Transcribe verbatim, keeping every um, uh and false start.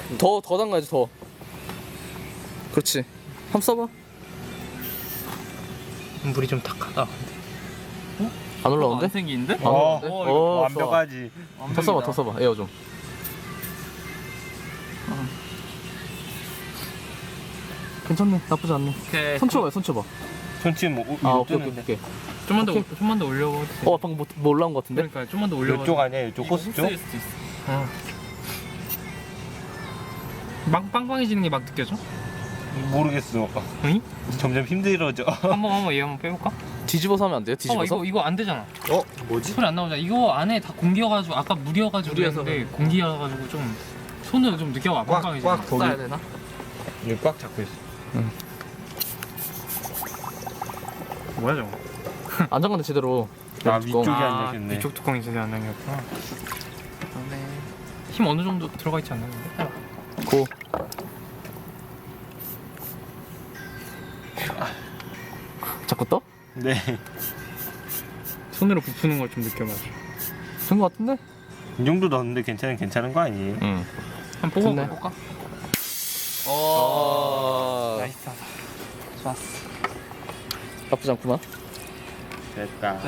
더, 더 담가야지, 더. 그렇지. 한번 써봐. 물이 좀 탁하다. 안 올라오는데? 안 생기는데? 안 어, 올라오는데? 어, 어, 이거 완벽하지. 더 써봐, 더 써봐. 에어 좀. 괜찮네. 나쁘지 않네. 오케이. 손 쳐봐요, 손 쳐봐. 손치 뭐 아, 아, 오케이, 오케이, 오케이. 좀만 더 오케이. 좀만 더 올려고. 어, 방금 뭐, 뭐 올라온 것 같은데? 그러니까 좀만 더 올려. 이쪽 아니야? 이쪽 코스 쪽? 수도 있어. 어. 막 빵빵해지는 게 막 느껴져? 모르겠어. 응? 점점 힘들어져. 한번 한번 얘 한번 빼볼까? 뒤집어서 하면 안 돼요? 어 뒤집어서? 이거 이거 안 되잖아. 어? 뭐지? 소리 안 나오잖아. 이거 안에 다 공기여가지고 아까 물이어가지고 물이어서 그랬는데 공기여가지고 좀 손으로 좀 느껴봐. 꽉, 빵빵해지는 꽉 거. 거기. 써야 되나? 이거 꽉 잡고 있어. 뭐야 저거? 안 잠갔네, 제대로. 아, 뚜껑. 위쪽이 안 잠겼네. 위쪽 뚜껑이 제대로 안 잠겼구나. 힘 어느 정도 들어가 있지 않나 근데? 고. 자꾸 떠? 네. 손으로 부푸는 걸 좀 느껴가지고. 된 것 같은데? 이 정도 넣었는데 괜찮은 괜찮은 거 아니에요? 응. 한번 좋네. 뽑아볼까? 어. 나이스하다. 좋았어. 나쁘지 않구만. 됐다.